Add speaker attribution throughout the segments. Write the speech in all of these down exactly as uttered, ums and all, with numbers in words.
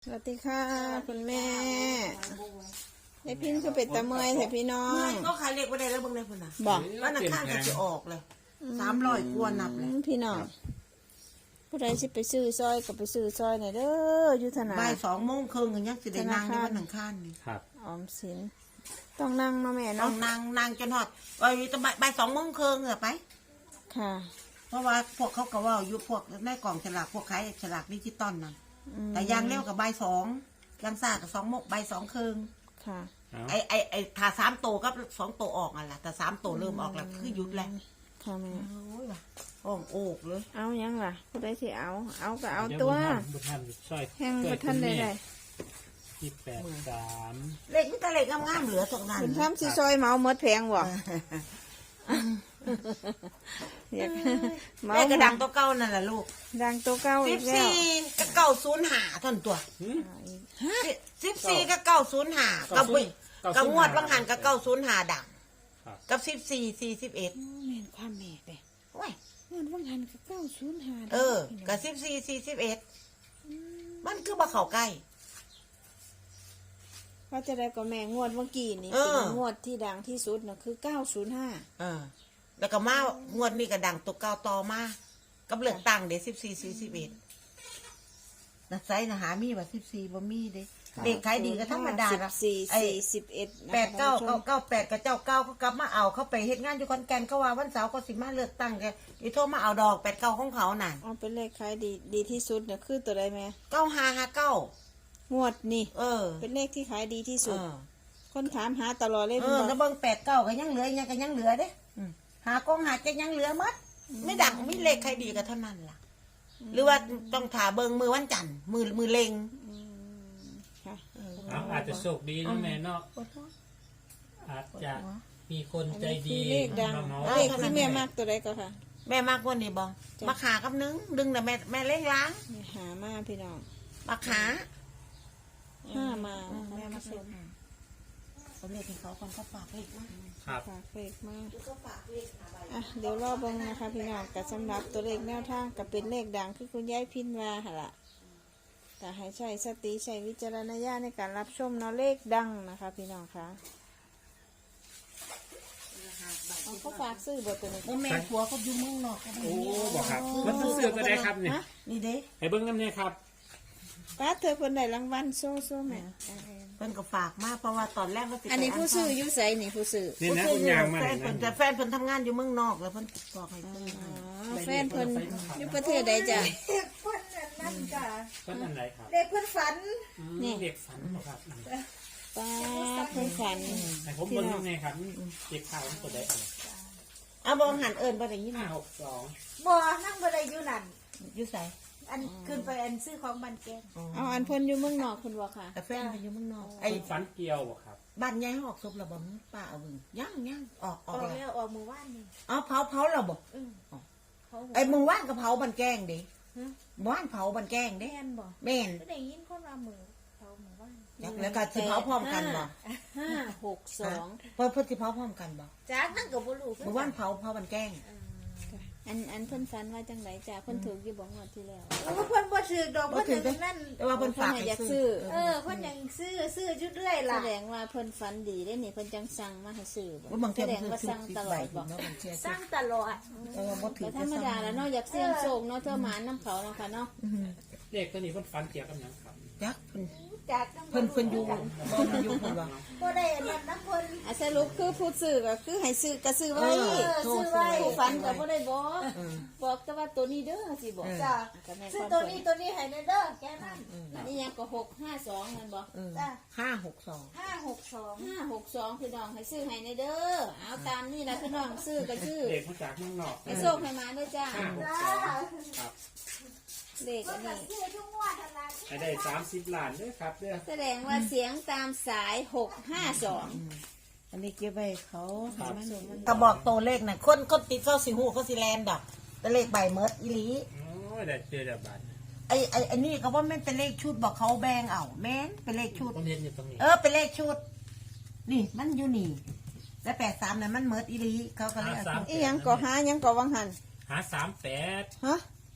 Speaker 1: สวัสดีค่ะคุณแม่ไอ้พินคือเป็ดตะเมยแต่พี่น้อง
Speaker 2: ก็ขายเล็กไว้ได้แล้วเบิ่งได้พุ่นน่ะ
Speaker 1: บอก
Speaker 2: วันอังคารก็จะออกเลยสามร้อยกว่านับเลย
Speaker 1: พี่น้องผู้ใดสิไปซื้อซอยก็ไปซื้อซอยหน่อยเด้ออยู่ธนา
Speaker 2: บ่ายสองโมงครึ่งก็ยังสิได้นั่งในวันอังคารนี่
Speaker 3: ครับ
Speaker 1: ออมสินต้องนั่งเนาะแม่
Speaker 2: ต้อ
Speaker 1: เนาะ
Speaker 2: งนั่งนั่งจนฮอดว่าอยู่ตะบ่ายบ่ายสองโมงครึ่งเหรอไป
Speaker 1: ค่ะ
Speaker 2: เพราะว่าพวกเขาก็ว่าอยู่พวกในกล่องฉลากพวกขายฉลากดิจิตอลน่ะแต่ยางเร็วกับบ่ายสองยางซ่ากับสองโมงบ่ายสองครึ่ง
Speaker 1: ค่ะ
Speaker 2: ไอไอไอถ้าสามโตวกับสองโตวออกอ่ะล่ะแต่สามโตวเริ่มออกแล้วคือหยุดแล้ว
Speaker 1: ค่ะแม่
Speaker 2: โอ้ยว่ะห้องโอกเลย
Speaker 1: เอายังล่ะผู้ใดสิเอาเอาก็เอา
Speaker 3: ดี๋ย
Speaker 1: ตัว
Speaker 3: บุญธรรมช่วย
Speaker 1: แห้งประทันได้ได้
Speaker 3: ที่แปดสาม
Speaker 2: เล็กนี่แต่เล็กงามๆเหลือตรงนั้น
Speaker 1: คุณทำสิซอยเหมาหมดแพงบ่อยากเหมา
Speaker 2: แม่กระดังตัวเก่านั่นแหละลูก
Speaker 1: ดังตัวเก้า
Speaker 2: สิ
Speaker 1: อี
Speaker 2: บ
Speaker 1: กแล้ว
Speaker 2: สี่กับเก้าศูนย์หาท่านตัวสิบสี่กับเก้าศูนย์หากับวิกับงวดบางหันกับเก้าศูนย์หาดัง
Speaker 3: ครับ
Speaker 2: กับสิบสี่สี่สิบเอ็ด
Speaker 1: แม่นความแม่เด้
Speaker 2: โอ้ย
Speaker 1: เงินว่างหันก็เก้าศูนย์ห้า
Speaker 2: เออกับสิบสี่สี่สิบเอ็ดมันคือบ่เข้าใกล้
Speaker 1: ว่าจะได้ก็แม่งวดเมื่อกี้นี่
Speaker 2: เออ
Speaker 1: เป็นงวดที่ดังที่สุดน่ะคือเก้าศูนย์ห้า
Speaker 2: เออ แล้วก็มางวดนี้ก็ดังตัวเก่าต่อมากับเลือกตั้งเด็สิบสี่สี่สิบเอ็ดนักไซนะหามีว่าสิบสี่บ่มีเด้เด็กขายดีก็ธรรมดา
Speaker 1: สิบ
Speaker 2: ละ
Speaker 1: สี่
Speaker 2: ไอ้
Speaker 1: สี่สิบเอ็ด
Speaker 2: แปดเก้าเก้าเก้าแปดกับเจ้าเก้าเขากลับมาเอาเขาไปเฮ็ดงานอยู่คอนแก่นเขาว่าวันเสาร์เขาสิมาเลือกตั้งแกอีโทรมาเอาดอกแปดเก้าของเขาน่ะ
Speaker 1: เอาเป็นเลขขายดีดีที่สุดน่ะคือตัวใดแม่
Speaker 2: เก้าห้าห้าเก้าง
Speaker 1: วดนี่
Speaker 2: เออ
Speaker 1: เป็นเลขที่ขายดีที่
Speaker 2: เอ
Speaker 1: สุด
Speaker 2: อ
Speaker 1: คนถามหาตลอดเลย
Speaker 2: เอ
Speaker 1: เป็น
Speaker 2: อ
Speaker 1: บ่
Speaker 2: แล้วเบิ่งแปดเก้าก็ยังเหลือยังก็ยังเหลือเด้อืมหากองหาจะยังเหลือมัดไม่ดังไม่เลขใครดีก็เท่านั้นล่ะ หรือว่าต้องถาเบิ่งมือวันจันทร์มือมือเล็ง
Speaker 1: อืมค่ะ
Speaker 3: เอาอาจจะโชคดีนะแม่เนาะอาจจะมีคนใจ
Speaker 1: อันนี้
Speaker 3: ดี
Speaker 1: คือเลขดัง
Speaker 3: มาเมา
Speaker 1: เลขที่แม่มากตัวใดก็ค่ะ
Speaker 2: แม่มากกว่านี้บ่มาขากับนึงดึงแต่แม่แม่เล่งล้าง
Speaker 1: นี่หามาพี่น้อง
Speaker 2: มาขา
Speaker 1: ห้ามา
Speaker 2: อืม
Speaker 1: นะคะ
Speaker 2: แม่มา
Speaker 1: ท่านผู้ช
Speaker 2: เซ็น
Speaker 1: ม
Speaker 2: เขาเรียกให้เขาคนเขาฝากเลขมา
Speaker 3: ครับ
Speaker 1: ฝากเลขมา
Speaker 2: เขาฝากเลขหาใบ
Speaker 1: อ่ะเดี๋ยวรอเบิ่งนะคะพี่น้องกับสำหรับตัวเลขแนวทางกับเป็นเลขดังคือคุณยายพินว่าหั่นล่ะแต่ให้ใช้สติใช้วิจารณญาณในการรับชมเนาะเลขดังนะคะ พี่น้องคะเอาเขาฝากซื้อบทตัวนี้
Speaker 2: โอ้แม่ผัวเขาอยู่เมืองนอกเขาไม่
Speaker 3: โอ้
Speaker 2: มี
Speaker 3: บอกครับมันซื้อก็ได้ครับเนี่ย
Speaker 1: ฮะ
Speaker 2: นี่เด้
Speaker 3: ให้เบิ้งน้ำเนี่ยครับ
Speaker 1: ป้าเธอคนใดรางวัลโซ่โซ่แม่
Speaker 2: เพิ่นก็ฝากมาเพราะว่าตอนแรกว่าสิไป
Speaker 1: อันนี้ผู้ซื้ออยุใสนี่ผู้ซื้อ
Speaker 3: นี่นะ
Speaker 2: ผู้
Speaker 3: คุณ
Speaker 2: ซื้
Speaker 3: ยางมา
Speaker 2: แฟ
Speaker 3: เลย
Speaker 2: นเพิ่น
Speaker 3: นะ
Speaker 2: แต่แฟนเพิ่นทำงานอยู่เมืองนอกแล้วเพิ่นบอกให้ซื้อ
Speaker 1: อ๋อแฟนเพิ่นอยู่ประเทศใดจ้ะ
Speaker 4: นั่นจ้ะ
Speaker 3: ต้นอันไหนครับ
Speaker 4: เด็กเพื่อนฝัน
Speaker 3: อืม
Speaker 1: นี่
Speaker 3: เด็กฝันบอกครับ
Speaker 1: ป้าเพิ่นฝัน
Speaker 3: ให้ผมเบิ้งน้ำเนี่ยครับเด็กข่าวตัวใดอะไร
Speaker 2: เอาบ่หันเอิ้นบ่ได้ยิน
Speaker 3: ห้าหกสอง
Speaker 4: บ่นั่งบ่ได้อยู่นั่น
Speaker 2: อยู่ไส
Speaker 4: อันขึ้นไปอันซื้อของบันแกง
Speaker 1: เอาอันเพิ่นอยู่เมืองนอกเพิ่นบ่ค่ะ
Speaker 2: แต่แฟนเพิ่นอยู่เมืองนอก
Speaker 3: ไอ้
Speaker 2: ไอ้
Speaker 3: ฝันเกี่ยวบอกครับ
Speaker 2: บ้านยายออกศพแล้วบ่มึงป้าเอาเบิ่งยังยังออกอ
Speaker 4: อ
Speaker 2: อ
Speaker 4: อก ก
Speaker 2: แล้ว
Speaker 4: แล้วออกมือว่านนี่
Speaker 2: อ๋อเผาเผาแล้วบ่
Speaker 4: เออเขา
Speaker 2: ไอ้มึงว่านก็เผาบันแกงดิ
Speaker 4: ฮะ
Speaker 2: ว่านเผาบันแกงดิ
Speaker 4: แม่นบ่
Speaker 2: แม่น
Speaker 4: ก็ได้ยินคนว่ามือเขามือว่าน
Speaker 2: จักแล้วก็สิเผาพร้อมกันบ่
Speaker 1: ห้าหกสอง
Speaker 2: เพิ่นเพิ่นสิเผาพร้อมกันบ่
Speaker 4: จากนั่งกับบ่รู้
Speaker 2: เมื่อวานเผาเผาบันแกง
Speaker 1: อันอันเพิ่นฝันว่าจังไดจ้ะเพิ่นถูกอยู่บ่งวดที่แล้ว
Speaker 4: เออเพิ่นบ่ถือดอก
Speaker 2: บ่
Speaker 4: เพิ่น
Speaker 2: ถือ
Speaker 4: ยัง
Speaker 2: เด้
Speaker 4: นั่น
Speaker 2: แต่ว่าเพิ่นฝาก
Speaker 1: เพิ่นให้
Speaker 2: ให้
Speaker 1: อยาก
Speaker 2: ซื้
Speaker 1: ซื้
Speaker 2: อ
Speaker 1: อ
Speaker 4: เออเพิ่นยังซื้อซื้ออยู่เรื่อย
Speaker 1: แส
Speaker 4: ล่ะ
Speaker 1: ดงว่าเพิ่นฝันดีได้นี่เพิ่นจังสั่งมาให้ซื้อบ่
Speaker 2: ว่าบาง
Speaker 1: แส
Speaker 2: เที
Speaker 1: ดงว่า
Speaker 2: ซื้อ
Speaker 1: สั่ง
Speaker 2: สิบ
Speaker 1: ตล
Speaker 2: ใบ
Speaker 1: อดบ่
Speaker 2: เนาะบางเที
Speaker 4: สร้างตลอด
Speaker 2: เออบ่ถื
Speaker 1: ก็
Speaker 2: อ
Speaker 1: ธรรมดาแล้วเนาะอยากเสี่ยงโชคเนาะเธอหมาน้ำเขาเนาะค่ะเนาะ
Speaker 3: เด็กตัวนี้เพิ่นฝันเกี่ยวกับหยังครับ
Speaker 2: จักเพิ่น
Speaker 4: จากนั่ง
Speaker 2: เพิ่นเพิ่นอยู่บ่เพิ่นอยู่เพิ่นว่า
Speaker 4: บ่ได้อันนั้นนะเพิ่น
Speaker 1: อ่ะสรุปคือผู้ซื้อก็คือให้ซื้อก็ซื้อไว้
Speaker 2: เอ
Speaker 4: เออซื้อไว้
Speaker 1: ผู้ฝันก็บ่ได้บอก
Speaker 2: เออ
Speaker 1: บอกแต่ว่าตัวนี้เด้อสิบอก
Speaker 4: จ้ะ
Speaker 1: ก็แม่น
Speaker 4: ซื้อ
Speaker 1: ความ
Speaker 4: ตัว
Speaker 1: เพิ่
Speaker 4: นี้
Speaker 1: น
Speaker 4: ตัวนี้ให้แน่เด้อแค่นั้น
Speaker 1: อันนี้ยังก็หกห้าสองนั่นบ่
Speaker 2: เออ
Speaker 4: จ้ะ
Speaker 2: ห้าหกสอง
Speaker 4: ห้าหกสอง
Speaker 1: ห้าหกสองพี่น้องให้ซื้อให้ในเด้อเอาตามนี่แหละพี่น้องซื้อก็ซื้อ
Speaker 3: เด็กมาจากเมืองนอก
Speaker 1: ให้โชคให้มาด้วยจ้า
Speaker 3: ห้าหก
Speaker 4: จ้า
Speaker 3: สองครับ
Speaker 1: เลข
Speaker 4: ก็
Speaker 1: อัน
Speaker 4: จะ
Speaker 1: นี้
Speaker 4: ซื้อทุกงวดทันละ
Speaker 3: ให้ได้สามสิบล้านด้วยครับเด้อ
Speaker 1: แสดงว่าเสียงตามสายหกห้าสอง
Speaker 2: อันนี้เก็บไว้เขาก็บอกตัวเลขน่ะคนคนติดเขาสิฮู้เขาสิแลนดอกแต่เลขใบเมิดอีหลี
Speaker 3: โอ้ยได้เจอเดี๋ยวบาท
Speaker 2: ไอ้ไอ้ไอ้นี่เขาว่าแม่นเป็นเลขชุดบอกเขาแบ่งเอาแม่นเป็นเลขชุด
Speaker 3: ผมเรียนอยู่ตรงนี้
Speaker 2: เออเป็นเลขชุด นี่มันอยู่นี่ แล้วแปดสามนั้นมันเมิดอีหลีเขาก็เลยเอาชุด
Speaker 1: อีหยังก็หาหยังก็วังหัน
Speaker 3: หาสามแปด
Speaker 1: ฮะ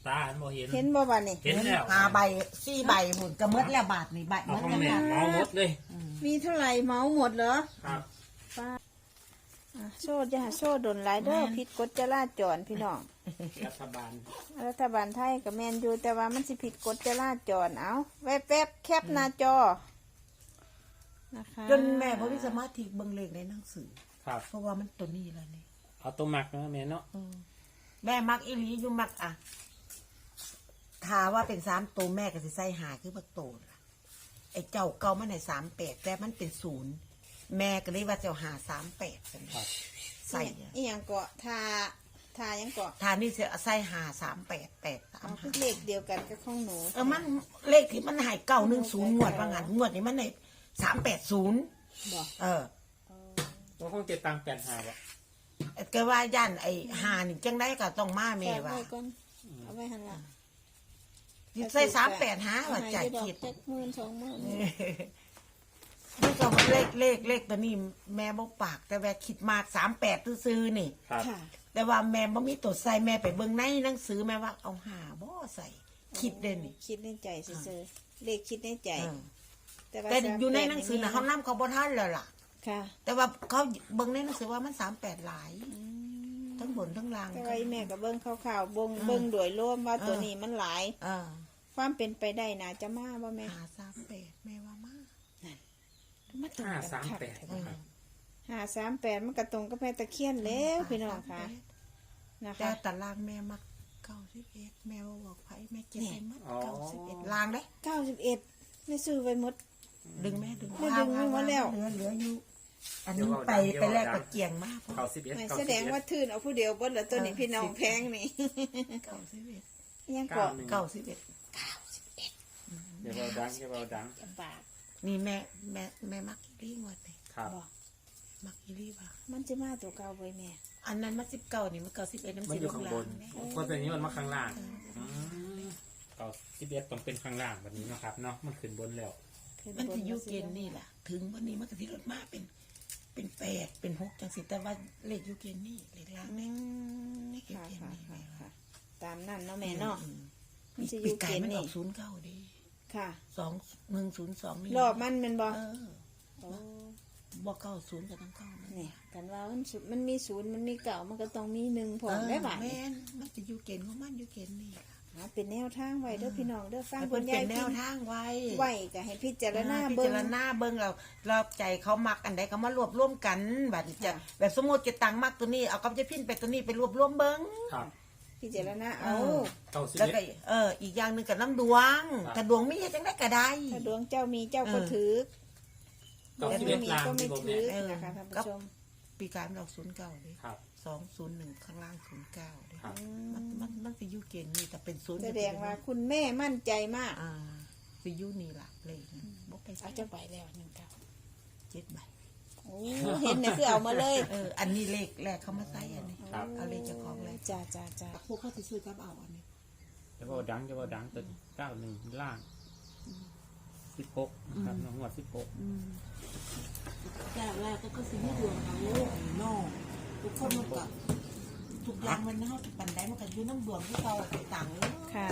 Speaker 3: ตาหันบ่เห็น
Speaker 1: เห็นบ่บัดนี่
Speaker 3: เห็นแล้ว
Speaker 2: หาใบสี่ใบหุ่นก็หมดแล้วบาทนี่ใบห
Speaker 3: เอา
Speaker 2: มด
Speaker 3: ของ
Speaker 2: แล้ว
Speaker 3: แม่เมาหมดเลย
Speaker 1: มีเท่าไหร่เมาหมดเหรอ
Speaker 3: ครับ
Speaker 1: อ่ะโซ่จะโซ่ดนหลายเด้อผิดกฎจราจรพี่น้อง
Speaker 3: รัฐบาล
Speaker 1: รัฐบาลไทยกับแมนอยู่แต่ว่ามันสิผิดกฎจราจรเอาแวบแวบๆแคปหน้าจอนะคะ
Speaker 2: จนแม่บ่มีสมาธิเบิ่งเลขในหนังสือ
Speaker 3: ครับ
Speaker 2: เพราะว่ามันตัวนี้แล้วนี่
Speaker 3: เอาตัวหมักนะแม่เนาะ
Speaker 2: แม่มักอีหลีอยู่มักอ่ะถ้าว่าเป็นสามตัวแม่ก็สิใส่หาคือบักโตล่ะไอ้เจ้าเก่ามันให้สามแปดแต่มันเป็นศูนย์แม่ก็เลยว่าเจ้าหาสามแปด
Speaker 3: ครับ
Speaker 2: ใส่
Speaker 1: อีหยังเกาะทาทายังเกาะ
Speaker 2: ทานี่จะใส่หาสามแปดแปดสาม
Speaker 1: เอา
Speaker 2: หา
Speaker 1: คือเลขเดียวกันกับของหนู
Speaker 2: เออมันเลขที่มันใหายเก้าหนึ่งศูนย์งวดว่างั้นงวดนี้มันในสามแปดศูนย์
Speaker 1: บอก
Speaker 2: เออ
Speaker 3: ว่าคงจะตังแปดหาบ่
Speaker 2: ก็ว่าย่านไอ้หานี่จังได้ก็ต้องมาแม่
Speaker 1: แม่
Speaker 2: ว่า
Speaker 1: ไว้ก่อนเอาไว้หันละ
Speaker 2: ใส่สามแปดหาว่าจ่าย
Speaker 1: ดอก
Speaker 2: คิด
Speaker 1: จักหมื่นสองหมื่น
Speaker 2: นี่ก็เลขเลขเลขตัวนี้แม่บอกปาก แต่แม่คิดมากสามแปดซื้อๆนี่
Speaker 3: ครับ
Speaker 1: ค่ะ
Speaker 2: แต่ว่าแม่บ่มีตัวใส่แม่ไปเบิ่งในหนังสือแม่ว่าเอาหาบ่ใส่คิดเด่นนี่
Speaker 1: คิดในใจซื่อๆเลขคิดในใจ
Speaker 2: เออ
Speaker 1: ว่า
Speaker 2: แต่อยู่ใน
Speaker 1: สามแปด
Speaker 2: หนังสือน่ะเขานำเขาบ่ทันแล้วล่ะ
Speaker 1: ค่ะ
Speaker 2: แต่ว่าเขาเบิ่งในหนังสือว่ามันสามแปดหลาย
Speaker 1: อืม
Speaker 2: ทั้งบนทั้งล่าง
Speaker 1: แต่ว่าอีแม่กับเบิ้งข่าวๆเบิ้ง
Speaker 2: เออ
Speaker 1: เบิ้งโดยรวมว่า
Speaker 2: เออ
Speaker 1: ตัวนี้มันหลาย
Speaker 2: เออ
Speaker 1: ความเป็นไปได้นะจะมาบ่แม่
Speaker 2: หาสามแปดแม่ว่ามา
Speaker 1: มาตรง
Speaker 3: ห้า
Speaker 1: กัน
Speaker 3: สาม
Speaker 1: คัก
Speaker 3: แปด
Speaker 1: แท้
Speaker 3: ค
Speaker 1: บ่
Speaker 3: รับ
Speaker 1: ห้าสามแปดมันกระตรงกับแม่ตะเคียนแล้วพี่น้องค่ะนะ
Speaker 2: แต่
Speaker 1: คะ
Speaker 2: ตารางแม่มักเก้าสิบเอ็ดแม่ว่าบอกไผแม่เก็บ
Speaker 1: นี่
Speaker 2: ไปมัดเก้าสิบเอ็ดลางเด้
Speaker 1: เก้าสิบเอ็ดไม่ซื้อไว้หมด
Speaker 2: ดึงแม่ดึง
Speaker 1: แม่ดึงไว้หมดแล้ว
Speaker 2: เหลือเหลืออยู่อันนี้ไปไปแลกกับเกียงมาก
Speaker 3: เก้าสิบเอ็ด
Speaker 1: ไม่
Speaker 3: เก้า
Speaker 1: แส
Speaker 3: สิบ
Speaker 1: ดง
Speaker 3: เอ็ด
Speaker 1: ว่าทื่นเอาผู้เดียวเบดแล้วตัวนี้พี่น้องแพงนี่
Speaker 2: เก้าสิบเอ็ด
Speaker 1: ยัง
Speaker 3: เก้า
Speaker 1: เกาะ
Speaker 3: หนึ่ง
Speaker 2: เก้าสิบเอ็ด
Speaker 3: เดี๋ยวเราดังเดี๋ยวเราดัง
Speaker 1: บาท
Speaker 2: นี่แม่แม่แม่มักอีรี่งวดเลย
Speaker 3: ครับ
Speaker 1: บอก
Speaker 2: มักอีรี่ป่ะ
Speaker 1: มันจะมาตัวเก่าไว้แม่
Speaker 2: อันนั้นมันสิบเก้านี่มันเก้าสิบเอ็ดน้ำ
Speaker 3: มัน
Speaker 2: สี
Speaker 3: อยู่ข้างบน
Speaker 2: เนี่ย
Speaker 3: เพราะตัวนี้มันมาข้างล่างอืมเก้าสิบเอ็ดต้องเป็นข้างล่างแบบนี้นะครับเนาะมันขึ้นบนแล้ว
Speaker 1: ขึ้
Speaker 2: มัน
Speaker 1: บ
Speaker 2: จะอยูเก
Speaker 1: สิ
Speaker 2: ณฑ์นี่แหละถึงวันนี้มันก็ที่รถมาเป็น เป็นแปดเป็นหกจังสิแต่ว่าเลขอยูเกณฑ์นี่เลขล่าง
Speaker 1: อื
Speaker 2: นี่
Speaker 1: มค่ะค่ะค่ะค่ะตามนั่นเนาะแม่เนาะ
Speaker 2: อืม
Speaker 1: มันจะอ
Speaker 2: ปี
Speaker 1: ยู่
Speaker 2: ไก่
Speaker 1: เกณฑ์
Speaker 2: มันอ
Speaker 1: นี่
Speaker 2: อกศูนย์เก้าดี
Speaker 1: ค่ะ
Speaker 2: สองหนึ่งศูนย์สองนี่
Speaker 1: รอบมันเป็นบ่
Speaker 2: เออ
Speaker 1: โอ้
Speaker 2: บอกเก้าศูนย์กับทั้งเก้า
Speaker 1: เนี่ยกันว่ามันสุดมันมีศูนย์มันมีเก่ามันก็ต้องมีหนึ่งพร้อมได้บ่า
Speaker 2: แม่นมันจะอยูเกณฑ์ของมันอยูเกณฑ์นี่ล่ะ
Speaker 1: หาเป็นแนวทางไว้เด้อพี่น้องเด้อฟัง
Speaker 2: ให้
Speaker 1: คุ
Speaker 2: เพิ่น
Speaker 1: ณ
Speaker 2: เป็
Speaker 1: ยาย
Speaker 2: นแน
Speaker 1: พิ
Speaker 2: ว
Speaker 1: มพ์
Speaker 2: ทางไว้
Speaker 1: ไว้ก็ให้พิจารณา
Speaker 2: พิ
Speaker 1: เบิ่
Speaker 2: จาง รณาเบิ่งเราเราใจเขามักอันใดเขามารวบรวมกันแบบจะ
Speaker 1: ค่ะ
Speaker 2: แบบสมมติจะตังมักตัวนี้เอากับจะพินไปตัวนี้ไปรวบรวมเบิ่ง
Speaker 3: ครับ
Speaker 1: พิจารณาเอา
Speaker 2: เออ
Speaker 3: เก้าสิบ
Speaker 2: แล้ว
Speaker 3: เอ็
Speaker 2: ก็
Speaker 3: ด
Speaker 2: เอออีกอย่างหนึ่งกับน้ำดวง
Speaker 3: ครับ
Speaker 2: ถ้าดวงมีจังได้ก็ได้
Speaker 1: ถ้าดวงเจ้ามีเจ้าก็ถือด
Speaker 3: เก้าว
Speaker 1: ง
Speaker 3: สิบ
Speaker 1: ไม่
Speaker 3: เอ็ด
Speaker 1: มี
Speaker 3: ล่าง
Speaker 1: ก็ไม่
Speaker 3: ที่ผม
Speaker 1: ถื
Speaker 3: เนี่ย
Speaker 1: อนะคะท่านผู้ชม
Speaker 2: ปีการเราศูนย์เก้าเลย
Speaker 3: ครับ
Speaker 2: สองศูนย์หนึ่งข้างล่างศูนย์เก้าเลย
Speaker 3: ครับ
Speaker 2: มันมันมันสิอยูเกณฑ์นี่แต่เป็นศูนย์
Speaker 1: แสดงว่าคุณแม่มั่นใจมาก
Speaker 2: อ่าสิอยูนี่ล่ะเลยบอกไป
Speaker 1: เอาจะไปแล้วหนึ่งเก้า
Speaker 2: เจ็ดใบ
Speaker 1: โอ้เห็นเนี่ยคือเอามาเลย
Speaker 2: เอออันนี้เลขแรกเขามาใส่อันนี้
Speaker 3: ครับ
Speaker 2: เอาเลขเจ้าของเลย
Speaker 1: จ้าจ้าจ้า
Speaker 2: พวกเขาสิซื้อกับเอาอันนี้
Speaker 3: จะว่าดังจะว่าดังตัวนี้เก้าหนึ่งล่างสิบหกนะครับน้องหัวสิบหก
Speaker 2: แรกแรกก็คือสิมีดวงเอานอกทุกคนมันก็ทุกอย่างมันเฮาปันได้มันก็อยู่น้ำดวงที่เราไปต่างเลย
Speaker 1: ค่ะ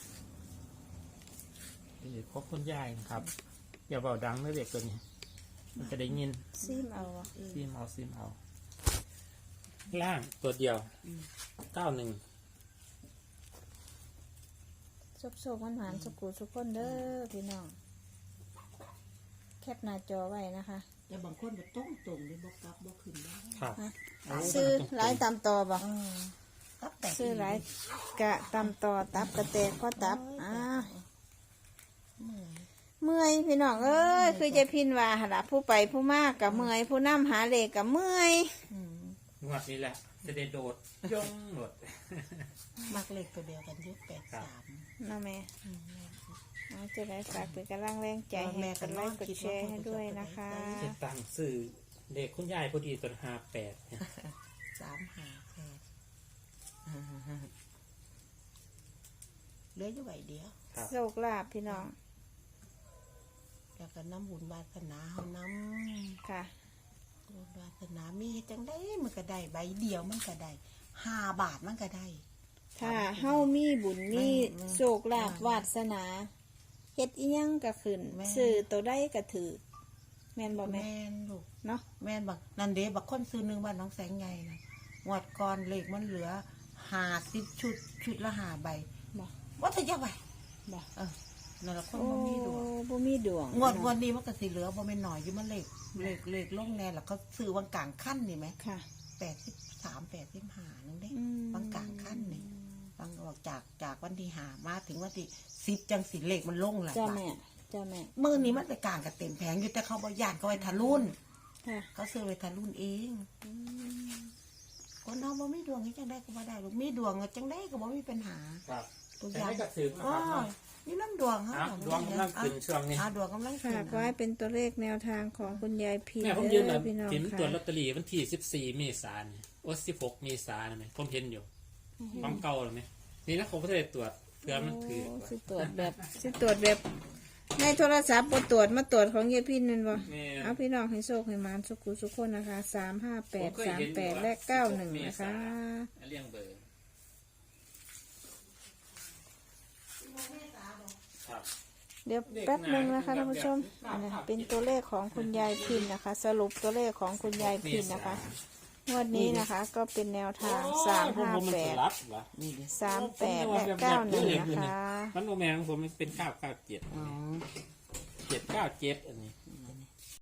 Speaker 3: นี่ครบคุณยายนะครับอย่าเบาดังนะเด็กตัวนี้ มันจะได้ยิน
Speaker 1: ซิมเอาอะ
Speaker 3: ซิมเอาซิมเอา ล่างตัวเดียวเก้าหนึ่ง
Speaker 1: ซบโซกมันหวานสกูสุกคนเด้อพี่น้อง แคปหน้าจอไว้นะคะ
Speaker 2: แต่บางคนก็ต้องตรงเลยบอกกลับบอกขึ้นได้
Speaker 3: ครับ
Speaker 1: ฮะซื้อหลายตามต่อบ่
Speaker 2: ครับแต่
Speaker 1: ซื้อหลายกะตามต่อตับกระแตกข้อตับอ่าเมื่อยพี่น้องเอ้ยคือจะพินว่าหนละผู้ไปผู้มากกับเมื่อยผู้นำหาเลขกับเมื่อย
Speaker 3: งวดนี้แหละจะได้โดดยงโดด
Speaker 2: มักเล็กตัวเดียวกันอยุคแปดสาม
Speaker 1: นะแม่เอาจะได้ฝากเป็นกำลังแรงใจให้กดไลค์กดแชร์ให้ด้วยนะคะ
Speaker 3: จะตั้งสื่อเด็กคุณยายพอดีตัวห้าแปดเนี่ย
Speaker 2: สามหาแปดเหลืออยู่ใบเดียว
Speaker 3: ครับ
Speaker 1: โชคลาภพี่น้อง
Speaker 2: แล้วก็น้ำบุญวาสนาเฮาน้
Speaker 1: ค่ะ
Speaker 2: ำบุญวาสนามีเฮ็ดจังได้มันก็ได้ใบเดียวมันก็ได้ห้าบาทมันก็ได้
Speaker 1: ถ้าเฮามีบุญมีโชคลาภวาสนาเฮ็ดอีหยังก็ขึ้นซื้อตัวใดก็ถือแม่นบ่แม่
Speaker 2: แม่นลูก
Speaker 1: เนาะ
Speaker 2: แม่นบักนันเดบักคนซื้อหนึงบ้านน้องแสงใหญ่นะงวดก่อนเลขมันเหลือห้าสิบชุดชุดละห้าใบ
Speaker 1: บ่
Speaker 2: ว่าจะยังไง
Speaker 1: บ่
Speaker 2: เออนั่นละคน
Speaker 1: โอ้
Speaker 2: บ่มีดวง
Speaker 1: บ่มีดวง
Speaker 2: งวดงวดนี้มันก็สิเหลือบ่แม่นหน่อยอยู่มันเลขเลขเลขลงแน่แล้วก็ซื้อวังกลางขั้นนี่ไหม
Speaker 1: ค่ะ
Speaker 2: แปดสิบสามแปดสิบห้านึงเด้
Speaker 1: อืม
Speaker 2: วังกลางขั้นนี่บางบอกจากจากวันที่ห้ามาถึงวันที่สิบจังสิเลขมันลงแหละ
Speaker 1: เจ้าแม่เจ้าแม่
Speaker 2: มื่อนี้มันไปกลางกับเต็มแผงอยู่แต่เขาบอยานเขาไว้ทะลุน
Speaker 1: ค่ะ
Speaker 2: เขาซื้อไว้ทะลุนเองคนเอาบ่มีดวงให้จังได้ก็บ่ได้ลูกมีดวงก็จังได้ก็บ่มีปัญหา
Speaker 3: ครับ
Speaker 2: ตัวอ
Speaker 3: แต่
Speaker 2: ย่าง
Speaker 3: ให้กระสือนะ
Speaker 2: อ๋อ
Speaker 3: ครับเนาะ
Speaker 2: นี่น้ำดวงเขา
Speaker 3: อ่ะดวงกำลังขึ้นช่วงนี้
Speaker 2: อ่ะดวงกำลังขึ้น
Speaker 1: ฝากไว้เป็นตัวเลขแนวทางของคุณยายพี
Speaker 3: แม่ผมยืน
Speaker 1: เด้
Speaker 3: แบ
Speaker 1: อบ พี่น้อง
Speaker 3: เห็นตัวลอ
Speaker 1: ค่ะ
Speaker 3: ตเตอรี่วันที่สิบสี่เมษายนเนี่ยโอ้สิบหกเมษายนไหมผมเห็นอยู่ความเก่าหรือไหมนี่นะผมก็ได้ตรวจเพื่อมันถือ
Speaker 1: โอ้สิตรวจแบบสิตรวจแบบในโทรศัพท์บ่ตรวจมาตรวจของยายพินนั่นบ่
Speaker 3: แม่
Speaker 1: เอาพี่น้องให้โชคให้หมานสุขุสุขคนนะคะสามห้าแปดสามแปดและเก้าหนึ่งนะคะ
Speaker 3: เลี่ยงเบอร์ครับ
Speaker 1: เดี๋ยวแป๊บหนึ่งนะคะท่านผู้ชมอันนี้เป็นตัวเลขของคุณยายพินนะคะ สรุปตัวเลขของคุณยายพินนะคะงวดนี้นะคะ ก็เป็นแนวทางสามห้าแปด
Speaker 2: นี่ดิ
Speaker 1: สามแปดและเก้าหนึ่งนะคะ
Speaker 3: มันโมแมงผมมันเป็นเก้าเก้าเจ็ด
Speaker 2: อ๋อ
Speaker 3: เจ็ดเก้าเจ็ดอันนี้